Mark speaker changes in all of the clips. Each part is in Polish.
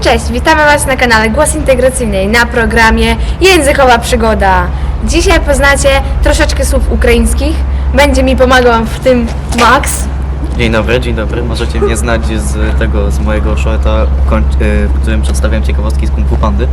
Speaker 1: Cześć, witamy Was na kanale Głos Integracyjnej na programie Językowa Przygoda. Dzisiaj poznacie troszeczkę słów ukraińskich. Będzie mi pomagał w tym Max.
Speaker 2: Dzień dobry. Możecie mnie znać z mojego shorta, w którym przedstawiam ciekawostki z Kung Fu Pandy.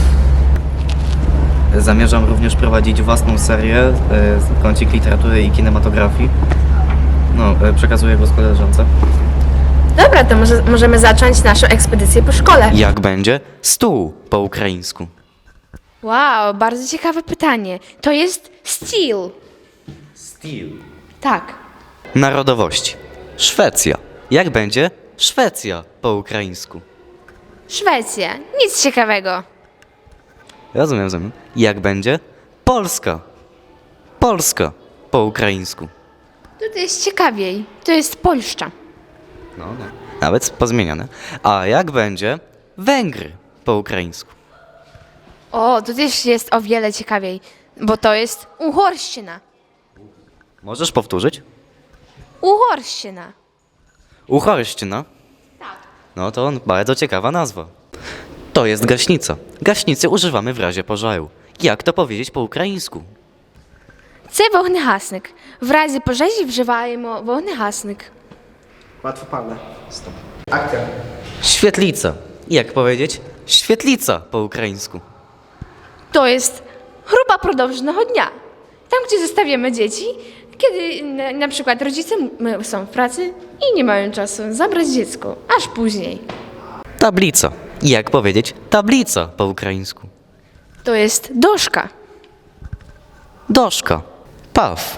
Speaker 2: Zamierzam również prowadzić własną serię, kącik literatury i kinematografii. Przekazuję go z koleżance.
Speaker 1: Dobra, to możemy zacząć naszą ekspedycję po szkole.
Speaker 2: Jak będzie? Stół po ukraińsku.
Speaker 1: Wow, bardzo ciekawe pytanie. To jest steel.
Speaker 2: Stil.
Speaker 1: Tak.
Speaker 2: Narodowości. Szwecja. Jak będzie? Szwecja po ukraińsku.
Speaker 1: Szwecja. Nic ciekawego.
Speaker 2: Rozumiem. Jak będzie? Polska. Polska po ukraińsku.
Speaker 1: To jest ciekawiej. To jest Polszcza.
Speaker 2: No. Nawet pozmieniane. A jak będzie? Węgry po ukraińsku.
Speaker 1: O, to też jest o wiele ciekawiej, bo to jest Uhorszczyna.
Speaker 2: Możesz powtórzyć?
Speaker 1: Uhorszczyna.
Speaker 2: Uhorszczyna?
Speaker 1: Tak.
Speaker 2: No to bardzo ciekawa nazwa. To jest gaśnica. Gaśnicy używamy w razie pożaru. Jak to powiedzieć po ukraińsku?
Speaker 1: Це вогнегасник. В разі пожежі вживаємо вогнегасник.
Speaker 3: Łatwo padle. Stop. Akcja.
Speaker 2: Świetlica. Jak powiedzieć? Świetlica po ukraińsku.
Speaker 1: To jest grupa продовженого dnia. Tam, gdzie zostawiamy dzieci, kiedy na przykład rodzice są w pracy i nie mają czasu zabrać dziecko, aż później.
Speaker 2: Tablica. Jak powiedzieć? Tablica po ukraińsku.
Speaker 1: To jest doszka.
Speaker 2: Doszka. Paw.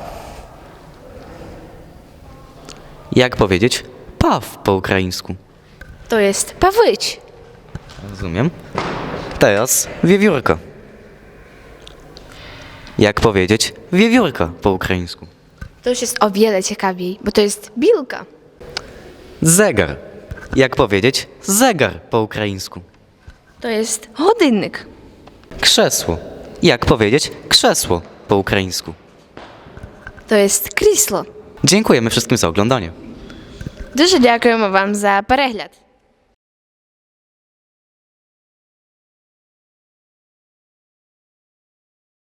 Speaker 2: Jak powiedzieć? Paw po ukraińsku.
Speaker 1: To jest pawyć.
Speaker 2: Rozumiem. Teraz wiewiórka. Jak powiedzieć? Wiewiórka po ukraińsku.
Speaker 1: To już jest o wiele ciekawiej, bo to jest bilka.
Speaker 2: Zegar. Jak powiedzieć? Zegar po ukraińsku.
Speaker 1: To jest godynnik.
Speaker 2: Krzesło. Jak powiedzieć? Krzesło po ukraińsku.
Speaker 1: To jest крісло.
Speaker 2: Dziękujemy wszystkim za oglądanie.
Speaker 1: Дуже дякуємо вам за перегляд.